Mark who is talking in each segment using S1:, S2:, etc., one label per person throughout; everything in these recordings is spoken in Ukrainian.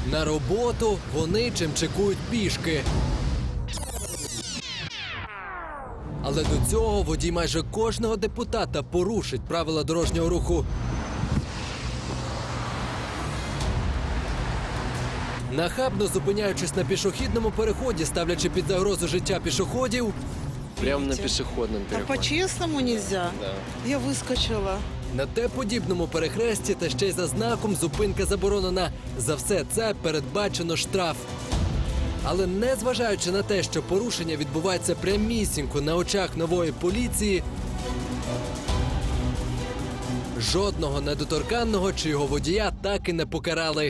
S1: На роботу вони чимчикують пішки. Але до цього водій майже кожного депутата порушить правила дорожнього руху. Нахабно зупиняючись на пішохідному переході, ставлячи під загрозу життя пішоходів,
S2: Прямо на пешеходном
S3: А
S2: переходе.
S3: по-честному нельзя?
S2: Да.
S3: Я выскочила.
S1: на Т-подібному перехресті та ще й за знаком «Зупинка заборонена». За все це передбачено штраф. Але незважаючи на те, що порушення відбувається прямісінько на очах нової поліції, жодного недоторканного чи його водія так і не покарали.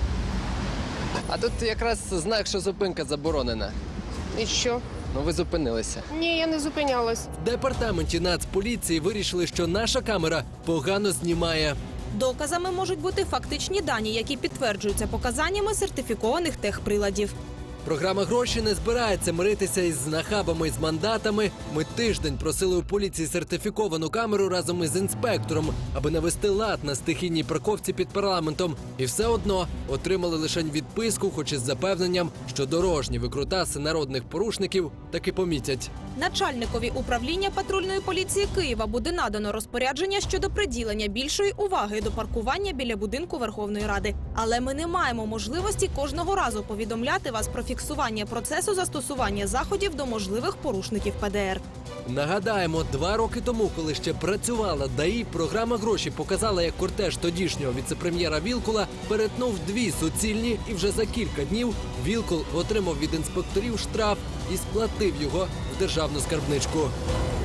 S2: А тут якраз знак, що зупинка заборонена.
S4: І що?
S2: Ну ви зупинилися.
S4: Ні, я не зупинялась.
S1: В департаменті Нацполіції вирішили, що наша камера погано знімає.
S5: Доказами можуть бути фактичні дані, які підтверджуються показаннями сертифікованих техприладів.
S1: Програма «Гроші» не збирається миритися із нахабами і з мандатами. Ми тиждень просили у поліції сертифіковану камеру разом із інспектором, аби навести лад на стихійній парковці під парламентом. І все одно отримали лише відписку, хоч із запевненням, що дорожні викрутаси народних порушників таки помітять.
S5: Начальникові управління патрульної поліції Києва буде надано розпорядження щодо приділення більшої уваги до паркування біля будинку Верховної Ради. Але ми не маємо можливості кожного разу повідомляти вас про фіксування процесу застосування заходів до можливих порушників ПДР.
S1: Нагадаємо, 2 роки тому, коли ще працювала ДАІ, програма «Гроші» показала, як кортеж тодішнього віцепрем'єра Вілкула перетнув 2 суцільні, і вже за кілька днів Вілкул отримав від інспекторів штраф і сплатив його в державну скарбничку.